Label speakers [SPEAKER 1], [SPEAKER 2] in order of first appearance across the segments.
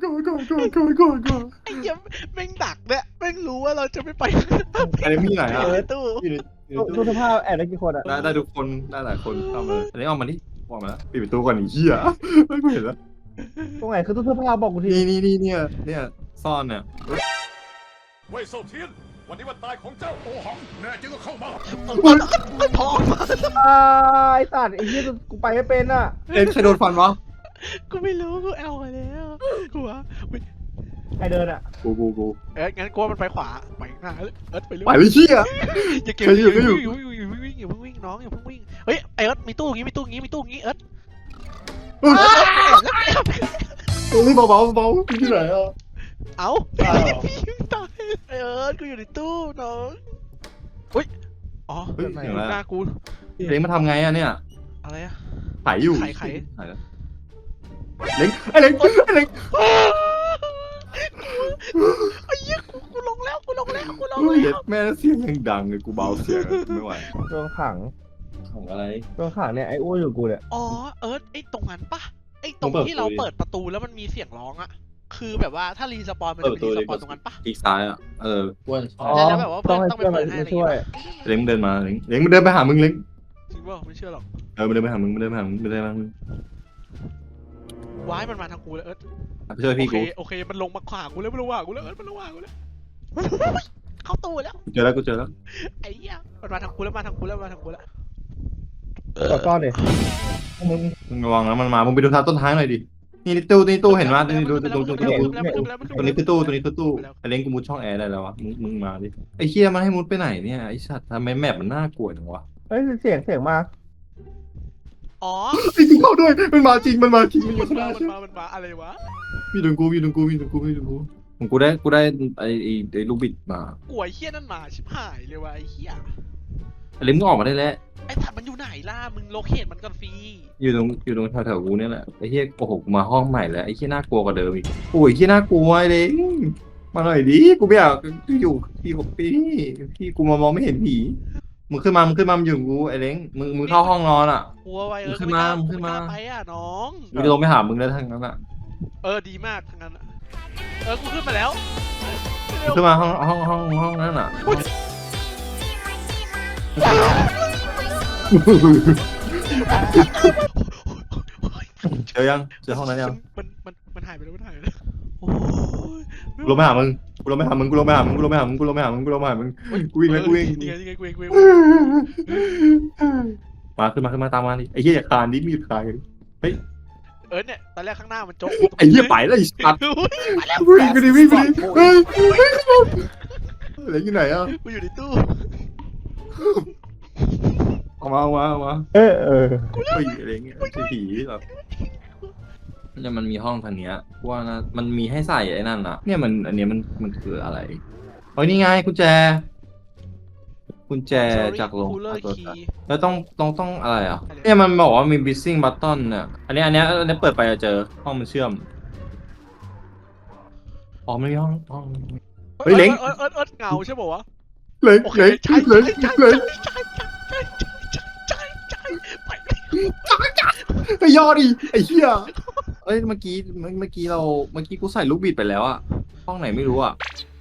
[SPEAKER 1] ไอ้เหี้ยแม่งดักเนี่ยแม่งรู้ว่าเราจะไม่ไป
[SPEAKER 2] อันนี้มีไหนอ่ะ
[SPEAKER 1] ในตู้
[SPEAKER 2] อยู่ใน
[SPEAKER 3] ตู้เสื้อผ้าแอบได้กี่คนอ่ะ
[SPEAKER 2] ได้ทุกคนได้หลายคนเข้ามาอันนี้ออกมาดิออกมาแล้วปิดประตูก่อนไอ้เหี้ยไม่กูเห็นแล้ว
[SPEAKER 3] ตรงไหนคือตู้เสื้อผ้าบอกกูที
[SPEAKER 2] นี่เนี่ยซ่อนเนี่ย
[SPEAKER 4] เว่ยเซาเทียน วันนี้วันตายของเจ้าโอหังแน่จริงก็เข้ามา
[SPEAKER 1] พอ
[SPEAKER 3] ไอ้สัตว์ไอ้ยี่กูไปไม่เป็นอ่ะ
[SPEAKER 2] ใครโดนฟันวะ
[SPEAKER 1] กูไม่รู้กูเอาไปแล้วกูว่า
[SPEAKER 3] ใครเดินอ่ะ
[SPEAKER 2] กู
[SPEAKER 1] งั้นกูว่ามันไปขวาไปข้างหน้าไปเรื่
[SPEAKER 2] ไป
[SPEAKER 1] อย
[SPEAKER 2] เลยเหี้ย
[SPEAKER 1] อย่าเก็บ
[SPEAKER 2] ใครอยู่
[SPEAKER 1] อย่าเพิ่งวิ่งอย่าเพิ่งวิ่งน้องอย่าเพิ่งวิ่งเฮ้ยไอ้เอิร์ธมีตู้งี้เอิร์ธ
[SPEAKER 2] นี่เบาที่ไหนอ่ะ
[SPEAKER 1] เอาพี่ตายไอ้เอิร์ธกูอยู่ในตู้น้องอุ้ยอ๋อหน้ากู
[SPEAKER 2] เล้งมาทำไงอ่ะเนี่ย
[SPEAKER 1] อะไรอะ
[SPEAKER 2] ไขอยู่
[SPEAKER 1] ไข
[SPEAKER 2] เล้งไอ้เล้ง
[SPEAKER 1] ไอ้เหี้ยกูลงแล้ว
[SPEAKER 2] เย็ดแม่เสียงยังดังเลยกูเบาเสียงไม่ไหว
[SPEAKER 3] โดนขัง
[SPEAKER 2] ของอะไร
[SPEAKER 3] โดนขังเนี่ยไอ้อ้วนอยู่กูเนี่ย
[SPEAKER 1] อ๋อเอิร์ธไอ้ตรงนั้นปะไอ้ตรงที่เราเปิดประตูแล้วมันมีเสียงร้องอะคือแบบว่าถ้ารีสปอนมันจะมีรีสปอนตรงนั้นปะ
[SPEAKER 2] อีกซ้ายอ่ะอ้วน
[SPEAKER 1] แล้วแบบว่าเพื่
[SPEAKER 3] ต้
[SPEAKER 1] อ
[SPEAKER 3] อง
[SPEAKER 1] น
[SPEAKER 3] ให้
[SPEAKER 1] ต้องไป
[SPEAKER 3] เพื่อน
[SPEAKER 1] เปิดให้
[SPEAKER 3] มาช่วย
[SPEAKER 2] เล้งเดินมาเล้งมันเดินไปหามึงเล้ง
[SPEAKER 1] จริงป่ะไม่เชื่อหรอก
[SPEAKER 2] มันเดินไปหามึง
[SPEAKER 1] ว้ายมันมาทางกูแล้วเอิร์ธ
[SPEAKER 2] ไปช่วยพี่กู
[SPEAKER 1] โอเคมันลงมาขวากูแล้วเอิร์ธมันลงมากูแล้วเข้าตู้แล้ว
[SPEAKER 2] กูเจอแล้ว
[SPEAKER 1] ไอ้เหี้ยมันมาทางกูแล้ว
[SPEAKER 3] กดก้อนดิ
[SPEAKER 2] มึงระวังนะมันมามึงไปดูทางต้นทางหน่อยดินี่ตู้เห็นว่านี่ดูตัวนี้คือตู้ไอ้เล้งกูมุดช่องแอร์ได้แล้ววะมึงมาดิไอ้เคียมันให้มุดไปไหนเนี่ยไอ้สัตว์ทำไมแมปมันน่ากลัวจังวะ
[SPEAKER 3] เฮ้ยเสียงมา
[SPEAKER 1] อ๋อ
[SPEAKER 2] ไอ้จริงเข้าด้วยมันมาจริงมันอยู่ข้างหน้าใช่ไหม
[SPEAKER 1] มันมาอะไรวะ
[SPEAKER 2] มีดึงกูกูได้ไอ้ลูกบิดมาก
[SPEAKER 1] ลัวไอ้เหี้ยนั่นมาชิบหายเลยวะไอ้เหี้ย
[SPEAKER 2] ไอ้เล้งมึงออกมาได้แล้ว
[SPEAKER 1] ไอ้สัตว์มันอยู่ไหนล่ะมึงโลเคทมันก่อนฟรี
[SPEAKER 2] อยู่ตรงแถวกูเนี่ยแหละไอ้เหี้ยโอ้โหกูมาห้องใหม่แล้วไอ้เหี้ยน่ากลัวกว่าเดิมอีกโอ้ยเหี้ยน่ากลัวไอ้เล้งมาหน่อยดิกูไม่อยากอยู่พี่กูมองไม่เห็นผีมึงขึ้นมามันอยู่กับกูไอ้เล้งมึงเข้าห้องนอนอ่ะ
[SPEAKER 1] กลัวไว้
[SPEAKER 2] ขึ้นมา
[SPEAKER 1] ไกล้ไปอ่ะน้อง
[SPEAKER 2] มึงจะลงไปหามึงแล้วทั้งนั้นอ่ะ
[SPEAKER 1] ดีมากทั้งนั้นอะกูขึ้นมาแล้ว
[SPEAKER 2] มึงขึ้นมาห้องนั้นอ่ะเจอห้องนั้นยัง
[SPEAKER 1] มันหายไปแล้วโอ้ย
[SPEAKER 2] กูลงไปหามึงกูวิ่งแล้วกูวิ่ง
[SPEAKER 1] นี่ไงกูวิ่ง
[SPEAKER 2] มาขึ้นมาตามมาดิไอ้เหี้ยอย่าคานดิมีคานดิเฮ้ย
[SPEAKER 1] เนี่ยตอนแรกข้างหน้ามันโจ๊ก
[SPEAKER 2] ไอ้เหี้ยไปแล้วไอ้สัตว์
[SPEAKER 1] ไปแล้ว
[SPEAKER 2] วิ่งไปดิเฮ้ยอะไรอยู่ไหนอ่ะ
[SPEAKER 1] กูอยู่ในตู้
[SPEAKER 2] ออกมา
[SPEAKER 3] เออ
[SPEAKER 2] เฮ้ยอะไรเงี้ยผีแบบเนี่ยมันมีห้องทางเนี้ยว่านะมันมีให้ใส่ไอ้นั่นอ่ะเนี่ยอันเนี้ยมันคืออะไรเฮ้ยนี่ไงกุญแจจากโรง แล้วต้องอะไรอ่ะเนี่ยมันบอกว่ามี missing button เนี่ยอันนี้เปิดไปจะเจอห้องมันเชื่อมอ๋อไม่มีห้องเฮ้ยเล้ง
[SPEAKER 1] เงาใช่ป่าวะ
[SPEAKER 2] เล้ง
[SPEAKER 1] โอเคใช่
[SPEAKER 2] ไอ้ยอดิไอ้เหี้ยเอ้ยเมื่อกี้กูใส่ลูกบิดไปแล้วอะห้องไหนไม่รู้อะ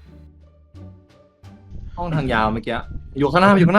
[SPEAKER 2] ห้องทางยาวเมื่อกี้อยู่ข้างหน้าถอย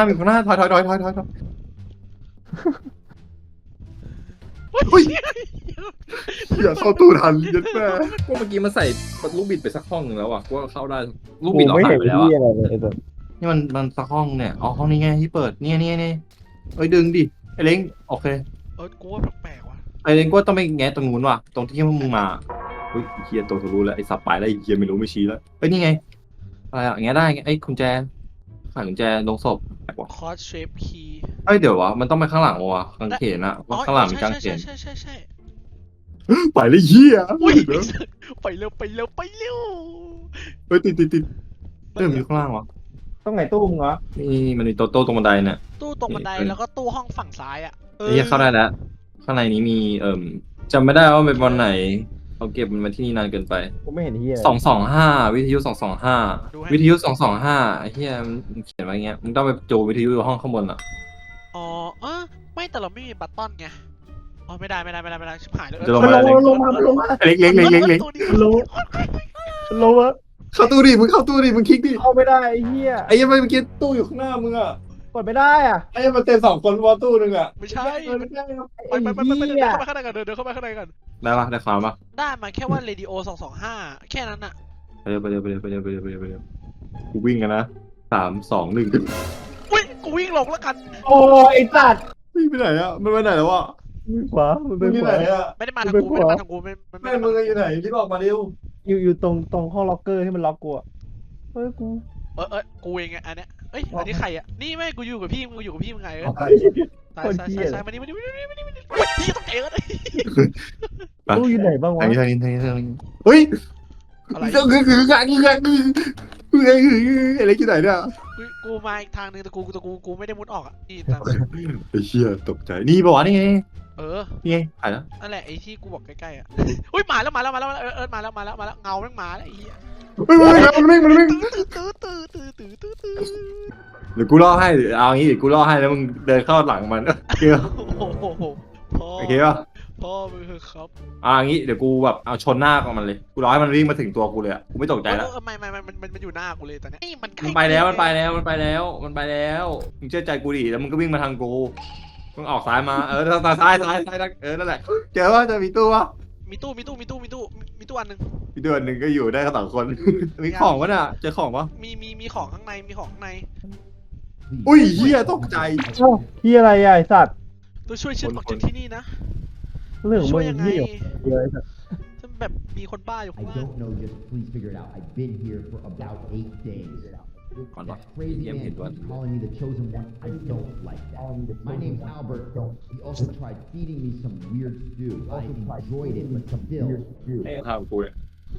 [SPEAKER 2] เฮ้ยอย่าเข้าตู้ทันยัดแม่ก็เมื่อกี้มันใส่ลูกบิดไปสักห้องนึงแล้วอะว่าเข้าได้ลูกบิดเรา
[SPEAKER 3] ไม่
[SPEAKER 2] หา
[SPEAKER 3] เห็
[SPEAKER 2] ย
[SPEAKER 3] น
[SPEAKER 2] ไปแล้ว
[SPEAKER 3] ที่
[SPEAKER 2] อะ
[SPEAKER 3] อะไรเลย
[SPEAKER 2] นี่มันสักห้องเนี่ยอ๋อห้องนี้ไงที่เปิดเนี่ยเอ้ยดึงดิไอ้เล้งโอเค
[SPEAKER 1] กูว่าแปลกว่ะ
[SPEAKER 2] ไอ้เล้งก็ต้องไปแงะตรงนู้นว่ะตรงที่มึงมาเฮ้ยเฮียตัวทะลุแล้วไอ้สับไปแล้วไอ้เฮียไม่รู้ไม่ชี้แล้วเฮ้ยนี่ไงอะไรอะแงะได้ไอ้กุญแจขายกุญแจลงศพ
[SPEAKER 1] คอร์สเชฟคีย์
[SPEAKER 2] เอ้ยเดี๋ยววะมันต้องไปข้างหลังวะกางเขนอะว่าข้างหลังมีกางเขน
[SPEAKER 1] ใช่
[SPEAKER 2] ไปเลยเฮีย
[SPEAKER 1] อุ้ยไปเร็ว
[SPEAKER 2] เฮ้ยติดมีข้างล่างวะ
[SPEAKER 3] ต้องไหนตู้มึงวะ
[SPEAKER 2] นี่มันมีโต๊ะตรงบันไดเนี่ย
[SPEAKER 1] ตู้ตรงบันไดแล้วก็ตู้ห้องฝั่งซ้ายอ่ะ
[SPEAKER 2] ไอ้เฮียเข้าได้แล้วข้างในนี้มีจำไม่ได้ว่าเป็นวันไหนเขาเก็บมันมาที่นี่นานเกินไป
[SPEAKER 3] กูไม่เห็นที่อะไร
[SPEAKER 2] 225วิทยุ225วิทยุ225ไอ้เหี้ยมันเขียนไว้เงี้ยมึงต้องไปโจวิทยุอยู่ห้องข้างบนอ่ะ
[SPEAKER 1] อ๋อไม่แต่เราไม่มีบัตตอนไงอ๋อไม่ได้ชิบหายเลย
[SPEAKER 2] จะลง
[SPEAKER 3] มัน
[SPEAKER 2] มา
[SPEAKER 3] ลงมันลงมา
[SPEAKER 2] เล็ก
[SPEAKER 1] ตัวนี้
[SPEAKER 3] มันลงลงอะ
[SPEAKER 2] เข้าตู้ดิมึงเข้าตู้ดิมึงคลิกดิ
[SPEAKER 3] เข้าไม่ได้ไอ้เหี้ย
[SPEAKER 2] ไอ้ยังไม่เมื่อกี้ตู้อยู่ข้างหน้ามึงอ่ะ
[SPEAKER 3] กดไม่ได้อ่ะ
[SPEAKER 2] ไอ้ยังมันเต็ม2 คนวอตู้นึงอ่ะ
[SPEAKER 1] ไม่ใช่
[SPEAKER 2] ไม่ได้ครับ
[SPEAKER 3] ไอ้
[SPEAKER 1] ไป
[SPEAKER 3] เหี้
[SPEAKER 1] เดิน
[SPEAKER 3] ย
[SPEAKER 1] เข้าไปข้างในกันเดินเข้าไปข้างในกัน
[SPEAKER 2] ได้ปะได้ความปะ
[SPEAKER 1] ได้มาแค่ว่าเรดิโอ225แค่นั้นอะ
[SPEAKER 2] ไปเร็วกูวิ่งกันนะ3 2 1
[SPEAKER 1] อุ้ยกูวิ่งลงแล้วกัน
[SPEAKER 3] โอ้ยไอ้สัตว์
[SPEAKER 2] วิ่งไปไหนอ่ะมันไปไหนแล้วอ่ะ
[SPEAKER 3] มือขวามัน
[SPEAKER 2] มึ
[SPEAKER 3] เป็
[SPEAKER 2] ง
[SPEAKER 3] น
[SPEAKER 2] อยู่
[SPEAKER 3] ข
[SPEAKER 2] ไหน
[SPEAKER 3] วา
[SPEAKER 2] อ่ะ
[SPEAKER 1] ไม่ได้มาทางกูไม่ได้มาทางกูไม่
[SPEAKER 2] แม่มึงอยู่ไหนรีบออกมาเร็ว
[SPEAKER 3] อยู่ตรงห้องล็อกเกอร์ที่มันล็อกกูอะเฮ้ยกู
[SPEAKER 1] กูเองไงอันเนี้ยเอ้ยอันนี้ใครอะนี่ไม่กูอยู่กับพี่มึงอยู่กับพี่มึงไงซ้ายมานี่พี่ต้องเอ๋เลย
[SPEAKER 3] ตู้อยู่ไหนบ้างวะ
[SPEAKER 2] ทางนี้เฮ้ย
[SPEAKER 1] อะไร
[SPEAKER 2] คืออะไรอยู่ไหนเนี่ย
[SPEAKER 1] กูมาอีกทางนึงแต่กูไม่ได้มุดออกอะนี่ทาง
[SPEAKER 2] ไอ้เชี่ยตกใจนี่บอกว่านี่ไง
[SPEAKER 1] นี่
[SPEAKER 2] ถ่ายแล้ว
[SPEAKER 1] นั่นแหละไอ้ที่กูบอกใกล้ๆอะอุ้ยมาแล้วมาแล้วเงาแม่งมาแล้วไอ้เหี้ย
[SPEAKER 2] มันวิ่ง
[SPEAKER 1] ตื้อ
[SPEAKER 2] เดี๋ยวกูล่อให้เอางี้เดี๋ยวกูล่อให้แล้วมึงเดินเข้าหลังมันเกี่ยว
[SPEAKER 1] โอ้โหพ่อ
[SPEAKER 2] โอเคป่ะ
[SPEAKER 1] พ่อมือครับ
[SPEAKER 2] งี้เดี๋ยวกูแบบเอาชนหน้ากับมันเลยกูรอให้มันวิ่งมาถึงตัวกูเลยกูไม่ตกใจแล้ว
[SPEAKER 1] ไม่มันอยู่หน้ากูเลยตอนนี้มัน
[SPEAKER 2] มันไปแล้วมึงเชื่อใจกูดิแล้วมึงก็วิ่งมาทางกูมึงออกซ้ายมาซ้ายนั่นแหละเจอว่าจะมีตู้วะ
[SPEAKER 1] มีตู้อันนึง
[SPEAKER 2] มีเดือนหนึ่งก็อยู่ได้แค่2 คนมีของวะเนี่ยเจอของวะ
[SPEAKER 1] มีของข้างใน
[SPEAKER 2] อุ้ยเหี้ยตกใจ
[SPEAKER 3] ที่อะไรอ่ะไอ้สัตว์
[SPEAKER 1] ตัวช่วยฉันออกจากที่นี่นะ
[SPEAKER 3] เรื่อง
[SPEAKER 1] ช่
[SPEAKER 3] มึ
[SPEAKER 1] วย
[SPEAKER 3] ง
[SPEAKER 1] ยังไง
[SPEAKER 3] ที่อยู่เยอะไอ้สัตว์
[SPEAKER 1] ฉันแบบมีคนบ้าอยู่
[SPEAKER 5] I
[SPEAKER 1] ข้างล่าง
[SPEAKER 5] don't know, just please figure it out. I've been here for about 8 days.
[SPEAKER 2] ก่อนวะ
[SPEAKER 5] That crazy
[SPEAKER 2] เยี่ยม
[SPEAKER 5] man
[SPEAKER 2] เห็นว่า
[SPEAKER 5] keeps calling me the chosen one. I don't like that. My name's Albert. He also tried feeding me some weird stew. I enjoyed it, but still.
[SPEAKER 2] ให้ทำกูเนี่ย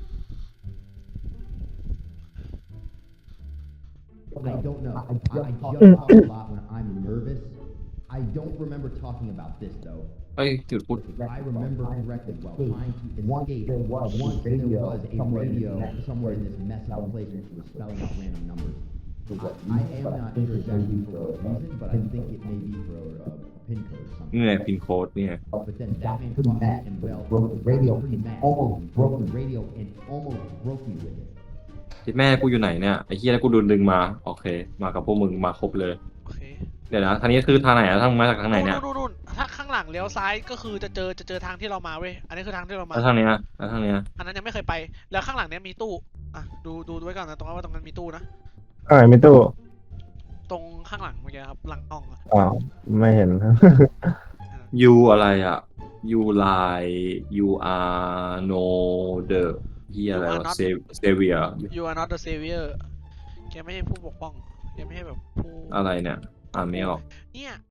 [SPEAKER 5] I don't know. I just talk a lot when I'm nervous. I don't remember talking about this though.
[SPEAKER 2] เอ้ยจุดพูด
[SPEAKER 5] If I remember correctly, while trying to escape, once there was a radio somewhere in this messed up place which was spelling out random numbers. I am not sure exactly for what reason, but I think it may be for a pin code or
[SPEAKER 2] นี่
[SPEAKER 5] something.
[SPEAKER 2] ไงพินโค้ดนี่ไง
[SPEAKER 5] But then that man caught me and well, broke the radio, pretty mad. Almost broke the radio and almost broke me with it.
[SPEAKER 2] คิดแม่กูอยู่ไหนเนี่ยไอ้เหี้ยแล้วกูโดนดึงมาโอเคมากับพวกมึงมาครบเลย
[SPEAKER 1] โอเค
[SPEAKER 2] เดี๋ยวนะทางนี้คือทางไหนอะทางมาจากทางไหนเนี่ย
[SPEAKER 1] นู่นถ้าข้างหลังเลี้ยวซ้ายก็คือจะเจอทางที่เรามาเว้ยอันนี้คือทางที่เรามา
[SPEAKER 2] แล้วทางเนี้ยแล้วทางเนี้ย
[SPEAKER 1] อันนั้นยังไม่เคยไปแล้วข้างหลังเนี้ยมีตู้อ่ะดูไว้ก่อนนะตรงนั้นว่าตรงนั้นมีตู้นะ
[SPEAKER 3] ไม่ตู้
[SPEAKER 1] ตรงข้างหลังเมื่อกี้ครับหลังห้องอะ
[SPEAKER 3] อ้าวไม่เห็น
[SPEAKER 2] ยูอะไรอะยูไลยูอาร์โนเดอเฮียอะไรวะเซเวีย
[SPEAKER 1] You are not the savior แกไม่ใช่ผู้ปกป้องแกไม่ใช่แบบผู้
[SPEAKER 2] อะไรเนี่ยอ่านไม่ออก
[SPEAKER 1] เนี่ย